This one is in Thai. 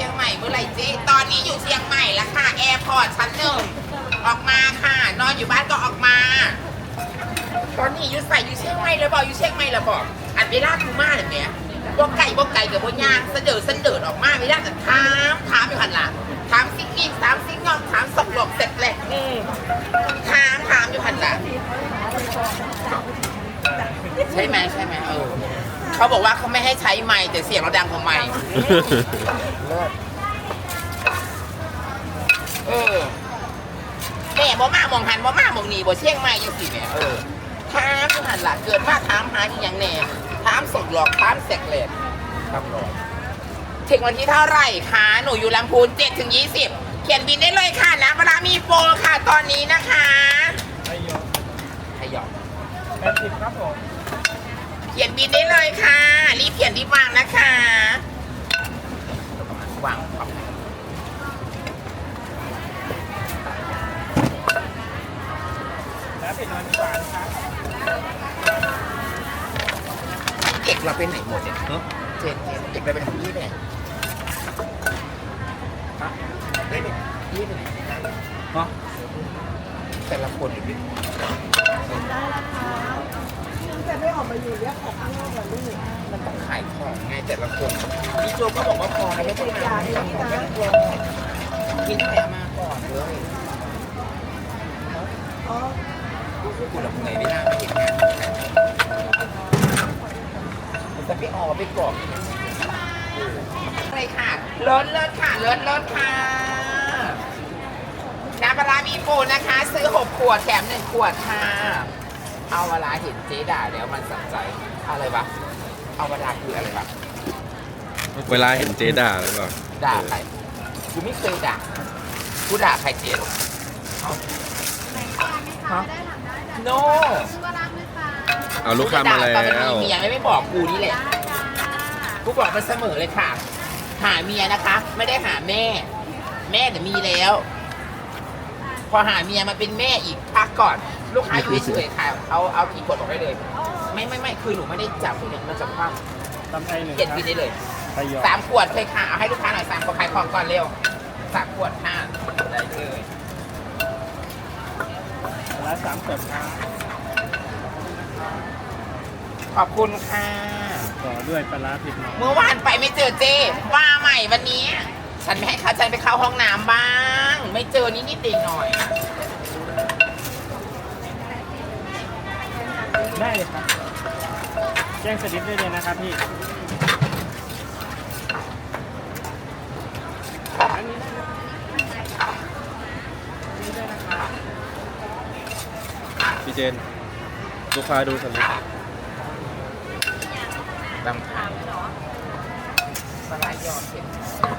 ยงใหม่เมื่อไหร่เจ๊ตอนนี้อยู่เชียงใหม่แล้วค่ะแอร์พอร์ตชั้นหนึ่งออกมาค่ะนอนอยู่บ้านก็ออกมา ตอนนี้อยู่ใส่อยู่เชียงใหม่แล้วบอกอยู่เชียงใหม่แล้วบอกอันเวลาคูมาเนี่ยแหมพวกไก่กับพวกย่างเสดอออกมาไม่ได้แต่ถามอยู่หันหลังถามซิกกิ้งถามซิกงอมถามสกหลอกเสร็จแหละถามอยู่หันหลังใช่ไหมเขาบอกว่าเขาไม่ให้ใช้ไมค์แต่เสียงเราดังกว่าไมค์แม่บ่มามองหันบ่มามองหนีบ่เชี่ยงไม้ยังสิเนี่ยถามอยู่หันหลังเกิดมาถามหาอีกอย่างแน่ถามสกหลอกถามเสกเลดครับรอถึงวันที่เท่าไหร่คะหนูอยู่ลำพูน7 ถึง 20เขียนบินได้เลยค่ะนะเวลามีโปรค่ะตอนนี้นะคะให้ยอม80ครับผมเขียนบินได้เลยค่ะรีบเขียนรีบวางนะคะวางครับแล้วเป็นวันที่3ครับเอกเราเป็นไหนหมดเนี่ยเจ็ดเอกเราเป็นพี่ไปไหนฮะพี่ไปไหนฮะแต่ละคนอยู่ดิได้แล้วครับแต่ไม่ออกมาอยู่เรียกของข้างนอกเหรอลูกมันต้องขายของไงแต่ละคนพี่โจก็บอกว่าพอแล้วไม่ต้องมาไม่ต้องกลัวกินแต่มาก่อนเลยอ๋อกูหลับไงไม่น่าไม่เห็นงานมันจะไปออกไปกรอบอะไรค่ะเลิศค่ะเลิศค่ะน้ำปลามีโปรนะคะซื้อ6 ขวดแถม1 ขวดค่ะเอาเวลาเห็นเจ๊ด่าแล้วมันสั่งใจอะไรวะเอาเวลาคืออะไรวะเวลาเห็นเจ๊ด่าหรือเปล่าด่าใครกูไม่เคยด่ากูด่าใครเจ๊หรอโน่เอาลูกค้ามาแล้วเมียไม่บอกกูนี่แหละกูบอกมันเสมอเลยค่ะหาเมียนะคะไม่ได้หาแม่แต่มีแล้วพอหาเมียมาเป็นแม่อีกพักก่อนลูกค้าอยู่เฉยๆค่ะเอากี่ขวดบอกได้เลยไม่คือหนูไม่ได้จับหนูมาจับความเก็บกินได้เลย3 ขวดเคยค่ะเอาให้ลูกค้าหน่อย3 ขวดขายของก่อนเร็ว3 ขวดค่ะได้เลยละ3 ขวดค่ะขอบคุณค่ะต่อด้วยปลาผิดน้องเมื่อวานไปไม่เจอเจ้ว่าใหม่วันนี้ฉันไม่ให้ฉันไปเข้าห้องน้ำบ้างไม่เจอนิดหน่อยได้เลยครับแจ้งสลิปได้เลยนะครับพี่พี่เจนลูกค้าดูสลิปบางครั้งสลายยอดเห็น